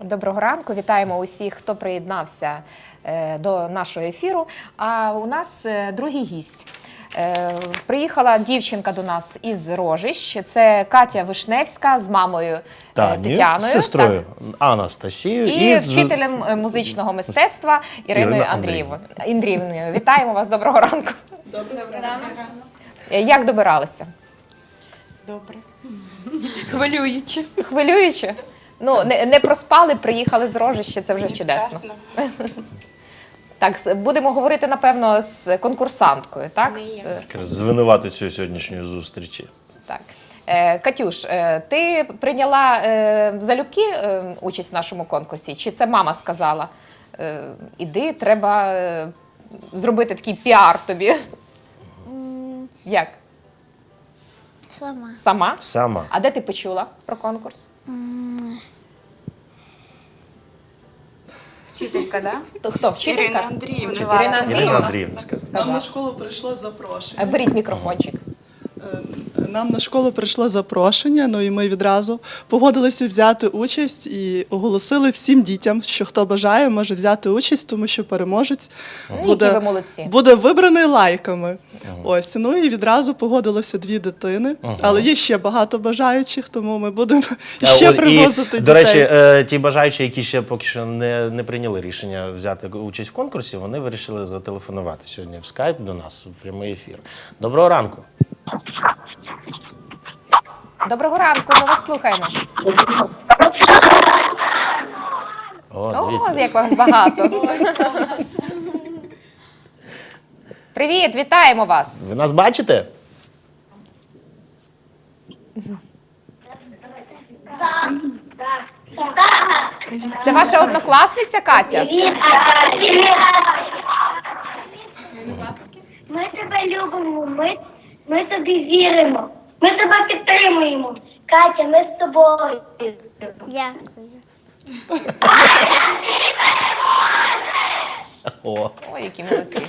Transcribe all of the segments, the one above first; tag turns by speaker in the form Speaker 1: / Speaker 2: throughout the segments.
Speaker 1: Доброго ранку, вітаємо усіх, хто приєднався до нашого ефіру. А у нас другий гість. Приїхала дівчинка до нас із Рожищ. Це Катя Вишневська з мамою Тетяною.
Speaker 2: З сестрою Анастасією.
Speaker 1: І вчителем музичного мистецтва Іриною Андріївною. Вітаємо вас, доброго ранку.
Speaker 3: Доброго ранку.
Speaker 1: Як добиралися?
Speaker 3: Добре. Хвилююче.
Speaker 1: Хвилююче? Ну, не проспали, приїхали з Рожища, це вже чудесно. Так, будемо говорити, напевно, з конкурсанткою, так?
Speaker 2: З винуватицею сьогоднішньої зустрічі.
Speaker 1: Так. Катюш, ти прийняла залюбки участь в нашому конкурсі? Чи це мама сказала? Іди, треба зробити такий піар тобі. Як?
Speaker 4: Сама.
Speaker 1: Сама?
Speaker 2: Сама.
Speaker 1: А де ти почула про конкурс?
Speaker 3: Вчителька, так?
Speaker 1: То хто? Вчителька?
Speaker 3: Ірина Андріївна.
Speaker 1: Ірина
Speaker 2: Ірина Андріївна
Speaker 5: Нам на школу прийшло запрошення.
Speaker 1: Беріть мікрофончик.
Speaker 5: Нам на школу прийшло запрошення, ну і ми відразу погодилися взяти участь і оголосили всім дітям, що хто бажає, може взяти участь, тому що переможець
Speaker 1: Які ви молодці.
Speaker 5: буде вибраний лайками. Ось, ну і відразу погодилося 2 дитини, але є ще багато бажаючих, тому ми будемо ще привозити дітей.
Speaker 2: До речі, ті бажаючі, які ще поки що не прийняли рішення взяти участь в конкурсі, вони вирішили зателефонувати сьогодні в скайп до нас, в прямий ефір. Доброго ранку.
Speaker 1: Доброго ранку, ми вас слухаємо.
Speaker 2: О,
Speaker 1: О,
Speaker 2: дивіться.
Speaker 1: як вас багато. Привіт, вітаємо вас.
Speaker 2: Ви нас бачите?
Speaker 1: Це ваша однокласниця Катя?
Speaker 4: Ми тебе любимо, ми тобі віримо, ми тебе підтримуємо. Катя, ми з тобою. Дякую.
Speaker 2: О.
Speaker 1: Ой, які молодці.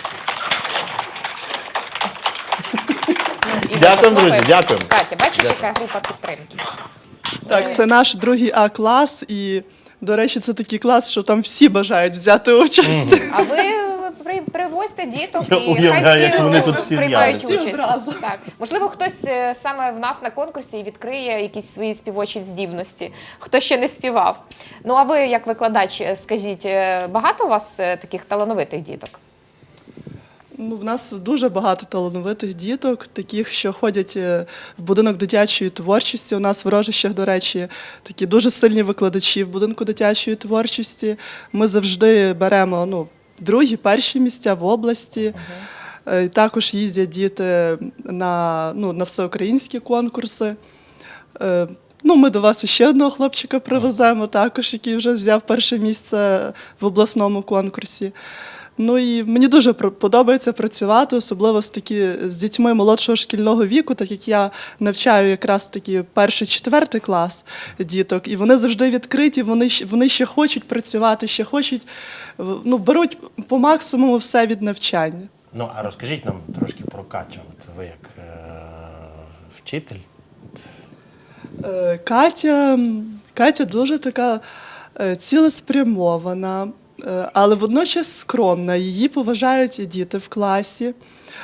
Speaker 1: І
Speaker 2: Дякуємо,
Speaker 1: ми
Speaker 2: друзі,
Speaker 1: похлопаємо.
Speaker 2: дякуємо.
Speaker 1: Катя, бачиш, яка група підтримки?
Speaker 5: Так, це наш другий А-клас, і, до речі, це такий клас, що там всі бажають взяти участь.
Speaker 1: А ви привозьте діток
Speaker 2: Я
Speaker 1: і
Speaker 2: уявляю,
Speaker 1: хай
Speaker 2: як
Speaker 1: всі
Speaker 2: вони тут всі
Speaker 1: приймають
Speaker 2: з'являться.
Speaker 5: Всі
Speaker 1: участь.
Speaker 5: одразу.
Speaker 1: Так. Можливо, хтось саме в нас на конкурсі відкриє якісь свої співочі здібності, хто ще не співав. Ну, а ви, як викладач, скажіть, багато у вас таких талановитих діток?
Speaker 5: Ну, в нас дуже багато талановитих діток, таких, що ходять в будинок дитячої творчості. У нас в Рожищах, до речі, такі дуже сильні викладачі в будинку дитячої творчості. Ми завжди беремо другі, перші місця в області. Також їздять діти на всеукраїнські конкурси. Ми до вас ще одного хлопчика привеземо, також, який вже взяв перше місце в обласному конкурсі. Ну і мені дуже подобається працювати, особливо з дітьми молодшого шкільного віку, так як я навчаю якраз таки 1-4 клас діток, і вони завжди відкриті, вони ще хочуть працювати, ще хочуть, беруть по максимуму все від навчання.
Speaker 2: Ну, а розкажіть нам трошки про Катю. От ви як вчитель?
Speaker 5: Катя дуже така цілеспрямована, але водночас скромна. Її поважають діти в класі.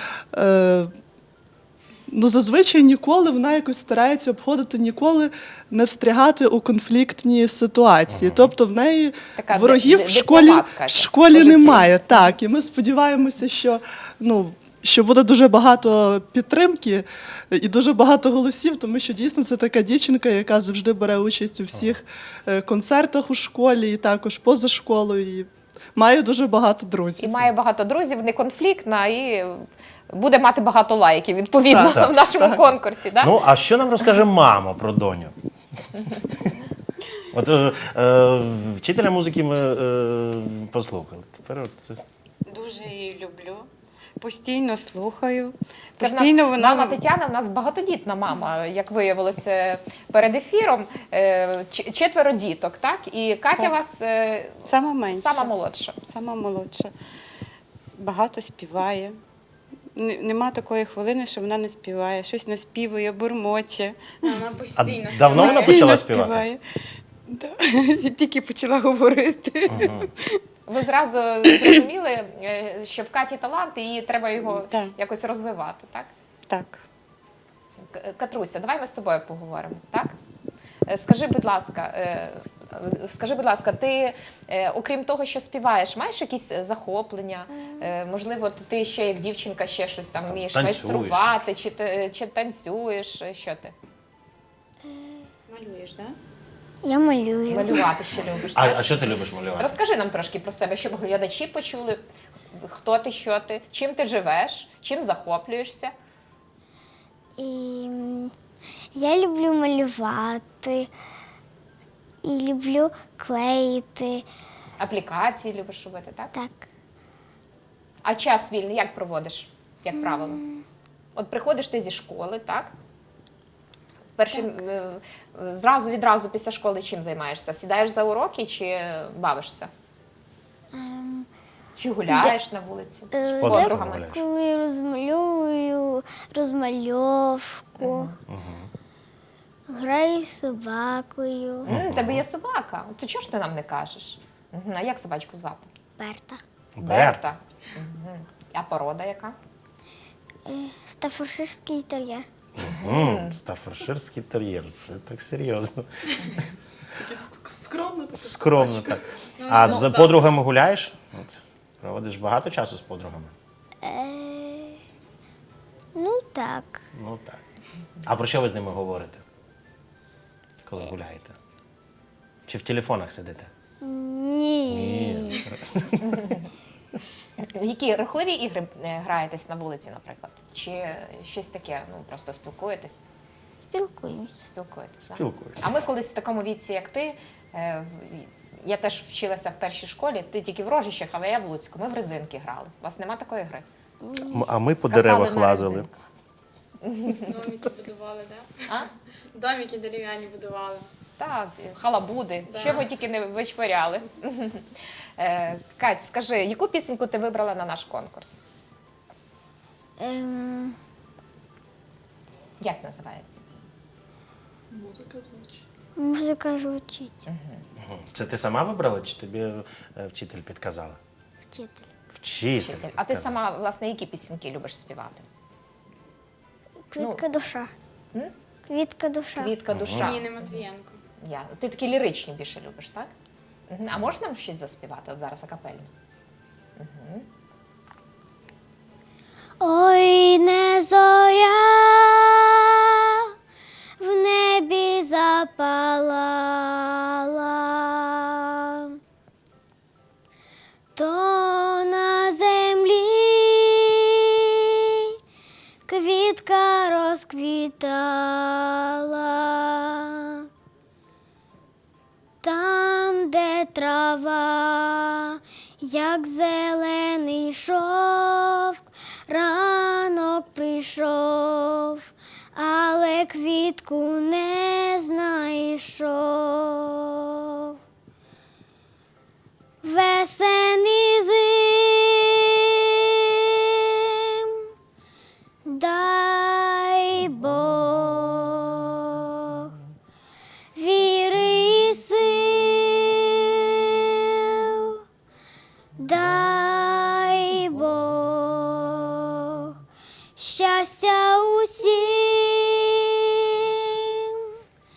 Speaker 5: Зазвичай ніколи вона якось старається обходити, ніколи не встрягати у конфліктні ситуації. Тобто в неї
Speaker 1: Така
Speaker 5: ворогів в школі немає. Так, і ми сподіваємося, що буде дуже багато підтримки і дуже багато голосів, тому що дійсно це така дівчинка, яка завжди бере участь у всіх концертах у школі і також поза школою. І має дуже багато друзів.
Speaker 1: І має багато друзів, не конфліктна, і буде мати багато лайків, відповідно,
Speaker 5: Так,
Speaker 1: в нашому конкурсі. Да?
Speaker 2: Ну, а що нам розкаже мама про доню? От вчителя музики ми послухали. Тепер це...
Speaker 3: Дуже її люблю. Постійно слухаю.
Speaker 1: Це
Speaker 3: Постійно
Speaker 1: в нас, мама Тетяна в нас багатодітна мама, як виявилося перед ефіром. 4 діток, так? І Катя
Speaker 3: Так.
Speaker 1: у вас
Speaker 3: Сама менша.
Speaker 1: сама молодша.
Speaker 3: Сама молодша. Багато співає. Нема такої хвилини, що вона не співає. Щось наспівує, бурмоче.
Speaker 2: А давно вона почала співати?
Speaker 3: Да. Тільки почала говорити.
Speaker 1: Ви зразу зрозуміли, що в Каті талант, і її треба його
Speaker 3: Так.
Speaker 1: якось розвивати, так?
Speaker 3: Так.
Speaker 1: Катруся, давай ми з тобою поговоримо, так? Скажи, будь ласка, ти, окрім того, що співаєш, маєш якісь захоплення? Можливо, ти ще як дівчинка ще щось там вмієш
Speaker 2: Танцюєш,
Speaker 1: майструвати, чи танцюєш, що ти?
Speaker 3: Малюєш, так?
Speaker 6: Я малюю.
Speaker 1: Малювати ще любиш, так?
Speaker 2: А що ти любиш малювати?
Speaker 1: Розкажи нам трошки про себе, щоб глядачі почули, хто ти, що ти, чим ти живеш, чим захоплюєшся.
Speaker 6: І я люблю малювати. І люблю клеїти.
Speaker 1: Аплікації любиш робити, так?
Speaker 6: Так.
Speaker 1: А час вільний як проводиш, як правило? От приходиш ти зі школи, так? Відразу після школи чим займаєшся? Сідаєш за уроки чи бавишся? Чи гуляєш на вулиці з
Speaker 6: Е,
Speaker 1: подругами?
Speaker 2: гуляєш?
Speaker 6: Коли розмальовую розмальовку. Граю з собакою.
Speaker 1: Тебе є собака. То чого ж ти нам не кажеш? А як собачку звати?
Speaker 6: Берта.
Speaker 1: Берта. Мгм. А порода яка?
Speaker 6: Стаффордширський тер'єр.
Speaker 2: Стаффордширський тер'єр. Все так серйозно.
Speaker 5: Скромно. така
Speaker 2: Скромно
Speaker 5: собачка.
Speaker 2: так. А з подругами гуляєш? От, проводиш багато часу з подругами?
Speaker 6: Ну так.
Speaker 2: Ну так. А про що ви з ними говорите, коли гуляєте? Чи в телефонах сидите?
Speaker 6: Ні.
Speaker 1: Які рухливі ігри граєтесь на вулиці, наприклад? Чи щось таке, просто спілкуєтесь?
Speaker 6: Спілкуємося.
Speaker 1: Спілкуєтесь, так?
Speaker 2: Спілкуєтесь.
Speaker 1: А ми колись в такому віці, як ти, я теж вчилася в першій школі, ти тільки в Рожищах, а я в Луцьку. Ми в резинки грали. У вас нема такої гри?
Speaker 2: А ми по
Speaker 1: Скакали
Speaker 2: деревах
Speaker 1: на
Speaker 2: лазили.
Speaker 1: резинках.
Speaker 7: Домики будували, так?
Speaker 1: А?
Speaker 7: Домики дерев'яні будували.
Speaker 1: Так, халабуди, що ви тільки не вичворяли. Кать, скажи, яку пісеньку ти вибрала на наш конкурс? Як називається?
Speaker 5: Музика звучить.
Speaker 6: Музика звучить.
Speaker 2: Це ти сама вибрала, чи тобі вчитель підказала?
Speaker 6: Вчитель.
Speaker 2: Вчитель.
Speaker 1: Вчитель. А ти
Speaker 2: підказав.
Speaker 1: сама, власне, які пісеньки любиш співати?
Speaker 6: Квітка душа. Квітка душа.
Speaker 1: Квітка душа.
Speaker 7: Ніни Матвієнко.
Speaker 1: Ти такі ліричні більше любиш, так? А можна нам щось заспівати от зараз акапельно?
Speaker 6: Ой, не зоря в небі запалала, то на землі квітка розквітала, там, де трава, як зелений шовк, ранок прийшов, але квітку не знайшов. Весени зим, дай Бог, віри і сил, дай Бог, щастя усім,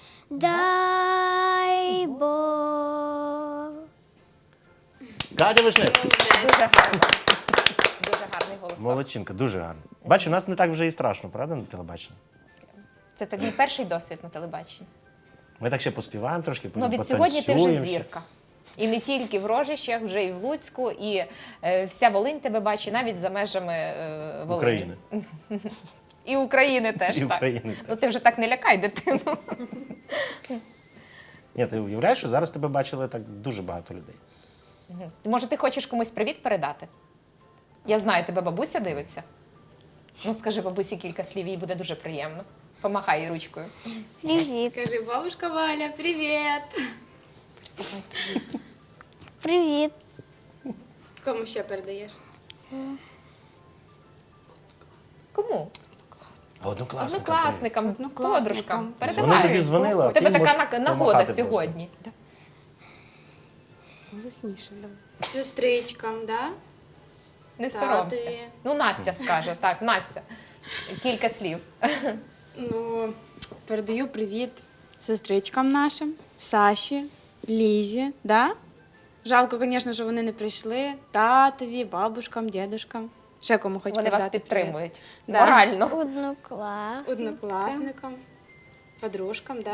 Speaker 6: дай Бог.
Speaker 2: Катя Вишневська.
Speaker 1: Дуже гарно. Дуже гарний голосок.
Speaker 2: Молодчинка, дуже гарно. Бачу, нас не так вже і страшно, правда, на телебаченні?
Speaker 1: Це твій перший досвід на телебаченні.
Speaker 2: Ми так ще поспіваємо трошки,
Speaker 1: Ну, від
Speaker 2: потанцюємо.
Speaker 1: сьогодні ти вже
Speaker 2: ще.
Speaker 1: зірка. І не тільки в Рожищах, вже і в Луцьку, і вся Волинь тебе бачить, навіть за межами Волині.
Speaker 2: України.
Speaker 1: І України теж,
Speaker 2: І
Speaker 1: так.
Speaker 2: України теж.
Speaker 1: Ну ти вже так не лякай дитину.
Speaker 2: Ні, ти уявляєш, що зараз тебе бачили так дуже багато людей.
Speaker 1: Може, ти хочеш комусь привіт передати? Я знаю, тебе бабуся дивиться. Ну, скажи бабусі кілька слів, їй буде дуже приємно. Помахай їй ручкою.
Speaker 6: Привіт.
Speaker 7: Кажи, бабушка Валя, привіт!
Speaker 6: Привіт.
Speaker 7: Кому ще передаєш?
Speaker 1: Кому?
Speaker 2: А однокласникам.
Speaker 1: Однокласникам, подружкам.
Speaker 2: Вони тобі дзвонили, а
Speaker 1: У тебе
Speaker 2: ти можеш
Speaker 1: така нагода
Speaker 2: помахати
Speaker 1: сьогодні.
Speaker 7: Голосніше, давай. Сестричкам, да?
Speaker 1: Не
Speaker 7: Татові.
Speaker 1: соромся. Ну, Настя скаже, так, Настя. Кілька слів.
Speaker 7: Ну, передаю привіт сестричкам нашим, Саші, Лізі, да? Жалко, звісно, що вони не прийшли. Татові, бабушкам, дідушкам. Ще кому хоч
Speaker 1: Вони вас
Speaker 7: передати
Speaker 1: підтримують
Speaker 7: Да.
Speaker 1: морально.
Speaker 6: Однокласник.
Speaker 7: привіт. Однокласникам, подружкам, да?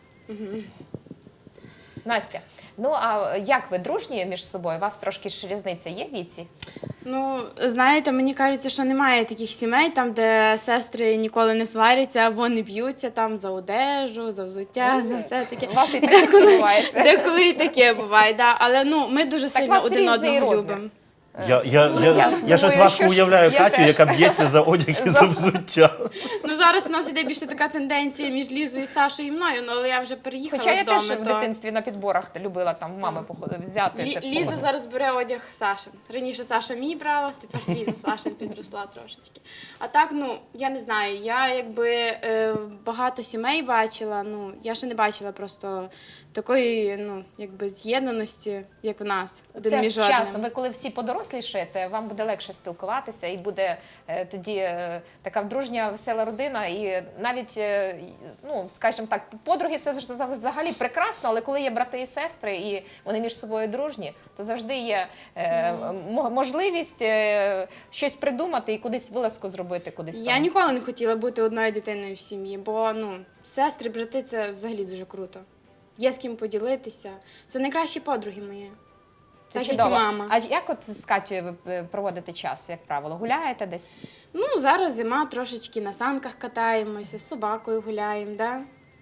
Speaker 1: Настя, ну а як ви дружні між собою? У вас трошки ж різниця є в віці?
Speaker 7: Ну, знаєте, мені кажеться, що немає таких сімей, там, де сестри ніколи не сваряться або не б'ються там за одежу, за взуття, за все таке.
Speaker 1: У вас і таке відбувається.
Speaker 7: Деколи і таке буває, да. Але ну, ми дуже
Speaker 1: Так у
Speaker 7: сильно
Speaker 1: вас
Speaker 7: один
Speaker 1: різний
Speaker 7: одного
Speaker 1: розмір.
Speaker 7: любимо.
Speaker 2: Я щось
Speaker 1: думаю,
Speaker 2: важко
Speaker 1: що ж
Speaker 2: уявляю
Speaker 1: я
Speaker 2: Катю,
Speaker 1: теж.
Speaker 2: яка б'ється за одяг і за взуття.
Speaker 7: Ну зараз у нас іде більше така тенденція між Лізою, Сашою і мною, ну, але я вже переїхала
Speaker 1: Хоча я
Speaker 7: з дому.
Speaker 1: теж в дитинстві на підборах любила там мами взяти. типу.
Speaker 7: Ліза зараз бере одяг Сашин. Раніше Саша мій брала, тепер Ліза Сашин підросла трошечки. А так, ну, я не знаю, я якби багато сімей бачила, ну, я ще не бачила просто такої, ну, якби з'єднаності, як у нас, один
Speaker 1: Це
Speaker 7: між
Speaker 1: з часом.
Speaker 7: одним.
Speaker 1: Ви коли всі подорослішаєте, вам буде легше спілкуватися і буде тоді така дружня, весела родина. І навіть, ну, скажімо так, подруги це взагалі прекрасно, але коли є брати і сестри, і вони між собою дружні, то завжди є можливість щось придумати і кудись вилазку зробити, кудись
Speaker 7: Я
Speaker 1: там.
Speaker 7: ніколи не хотіла бути одною дитиною в сім'ї, бо ну, сестри, брати це взагалі дуже круто. Є з ким поділитися. Це найкращі подруги мої.
Speaker 1: Це
Speaker 7: Так, як і
Speaker 1: чудово.
Speaker 7: мама.
Speaker 1: А як от з Катєю ви проводите час, як правило? Гуляєте десь?
Speaker 7: Ну, зараз зима, трошечки на санках катаємося, з собакою гуляємо, да?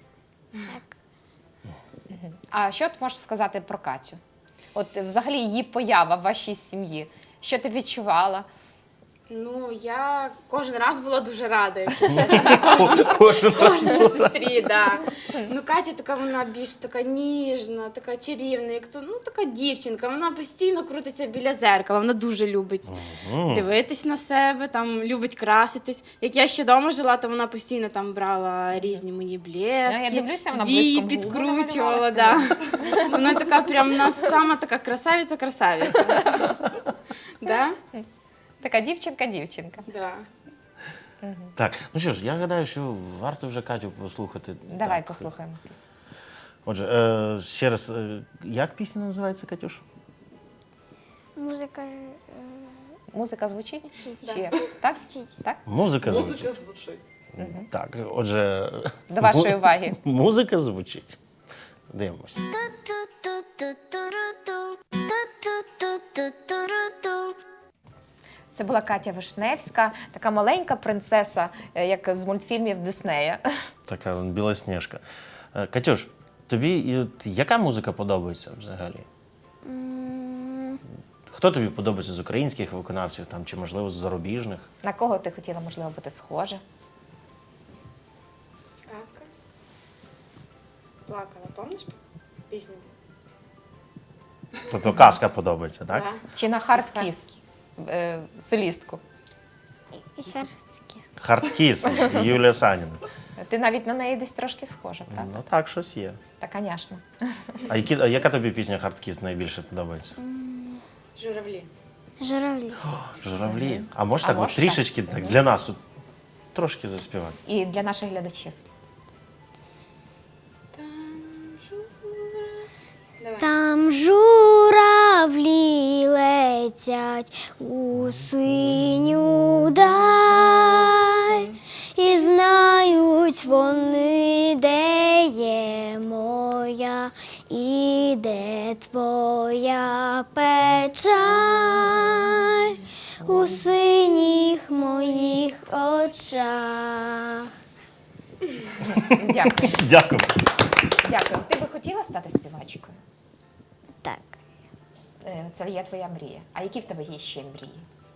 Speaker 1: А що ти можеш сказати про Катю? От взагалі її поява в вашій сім'ї. Що ти відчувала?
Speaker 7: Ну, я кожен раз була дуже рада, якщо
Speaker 2: Кожен
Speaker 7: кожній сестрі, да. Ну, Катя така, вона більш така ніжна, така чарівна, як то, ну, така дівчинка. Вона постійно крутиться біля зеркала, вона дуже любить дивитись на себе, там, любить краситись. Як я ще вдома жила, то вона постійно там брала різні мої блески,
Speaker 1: Я дивлюся, вона
Speaker 7: вії
Speaker 1: блиском губи
Speaker 7: підкручувала,
Speaker 1: намалювала
Speaker 7: да. Вона така прям у нас сама така красавиця-красавиця. Да?
Speaker 1: Така дівчинка-дівчинка.
Speaker 7: Да.
Speaker 2: Так, ну що ж, я гадаю, що варто вже Катю послухати.
Speaker 1: Давай
Speaker 2: Так.
Speaker 1: послухаємо пісню.
Speaker 2: Отже, ще раз, як пісня називається, Катюш?
Speaker 6: Музика
Speaker 1: Музика звучить?
Speaker 6: Звучить.
Speaker 1: Чи як? Так?
Speaker 6: Звучить.
Speaker 1: Так?
Speaker 2: Музика звучить.
Speaker 5: Музика звучить.
Speaker 2: Так, отже,
Speaker 1: До вашої уваги.
Speaker 2: музика звучить. Дивимося.
Speaker 1: Це була Катя Вишневська, така маленька принцеса, як з мультфільмів Диснея.
Speaker 2: Така білосніжка. Катюш, тобі яка музика подобається взагалі? Хто тобі подобається з українських виконавців там, чи, можливо, з зарубіжних?
Speaker 1: На кого ти хотіла, можливо, бути схожа?
Speaker 7: Казка. Плакала, пам'ятаєш пісню?
Speaker 2: Тобто казка подобається, так?
Speaker 7: Да.
Speaker 1: Чи на Хардкіс, солістку?
Speaker 6: І Харські.
Speaker 2: Хардкіс, Юлія Саніна.
Speaker 1: Ти навіть на неї десь трошки схожа, правда?
Speaker 2: Ну так, щось є.
Speaker 1: Та, звісно.
Speaker 2: А яка тобі пісня Хардкіс найбільше подобається?
Speaker 7: Журавлі.
Speaker 6: Журавлі.
Speaker 2: Журавлі. А можеш
Speaker 1: А
Speaker 2: так, от,
Speaker 1: можеш
Speaker 2: трішечки так, для нас от, трошки заспівати?
Speaker 1: І для наших глядачів.
Speaker 7: Давай.
Speaker 6: Там журавлі летять у синю даль, і знають вони, де є моя і де твоя печаль у синіх моїх очах.
Speaker 1: Дякую.
Speaker 2: Дякую.
Speaker 1: Дякую. Ти би хотіла стати співачкою?
Speaker 6: Так.
Speaker 1: Це є твоя мрія. А які в тебе є ще мрії?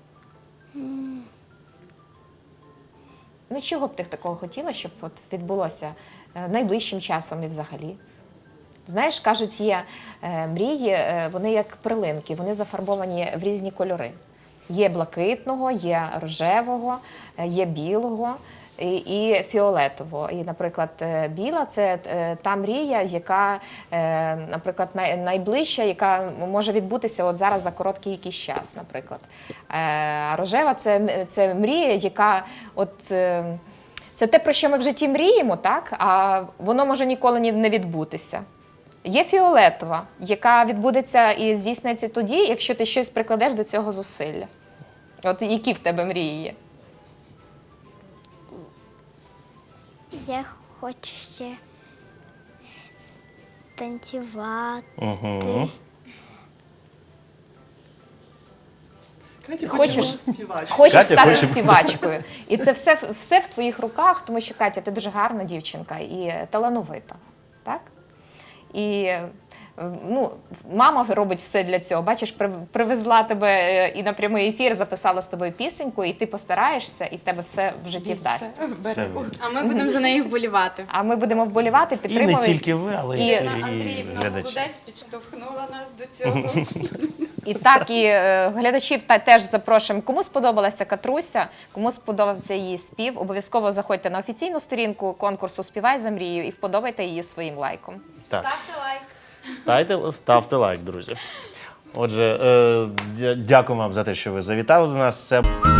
Speaker 1: Ну, чого б ти такого хотіла, щоб от відбулося найближчим часом і взагалі? Знаєш, кажуть, є мрії, вони як перлинки, вони зафарбовані в різні кольори. Є блакитного, є рожевого, є білого, і фіолетово. І, наприклад, біла це та мрія, яка, наприклад, найближча, яка може відбутися от зараз за короткий якийсь час, наприклад. А рожева це мрія, яка от. Це те, про що ми в житті мріємо, так? А воно може ніколи не відбутися. Є фіолетова, яка відбудеться і здійсниться тоді, якщо ти щось прикладеш до цього зусилля. От які в тебе мрії є?
Speaker 6: Я хочу ще танцювати.
Speaker 5: Катя
Speaker 1: Хочеш?
Speaker 5: хоче бути співачкою.
Speaker 1: Хочеш
Speaker 2: Катя
Speaker 1: стати
Speaker 2: хоче-
Speaker 1: співачкою. І це все в твоїх руках, тому що, Катя, ти дуже гарна дівчинка і талановита. Так? І ну, мама робить все для цього. Бачиш, привезла тебе і на прямий ефір, записала з тобою пісеньку, і ти постараєшся, і в тебе все в житті вдасться.
Speaker 2: Це
Speaker 7: А ми будемо за неї вболівати.
Speaker 1: А ми будемо вболівати,
Speaker 2: і не
Speaker 1: підтримувати.
Speaker 2: тільки ви, але
Speaker 1: І-
Speaker 2: і
Speaker 3: Андріївна
Speaker 2: глядачі.
Speaker 3: молодець підштовхнула нас до цього.
Speaker 1: І так, і глядачів теж запрошуємо. Кому сподобалася Катруся, кому сподобався її спів, обов'язково заходьте на офіційну сторінку конкурсу «Співай за мрію» і вподобайте її своїм лайком.
Speaker 2: Так.
Speaker 7: Ставте лайк.
Speaker 2: Ставте лайк, друзі. Отже, дякую вам за те, що ви завітали до нас. Це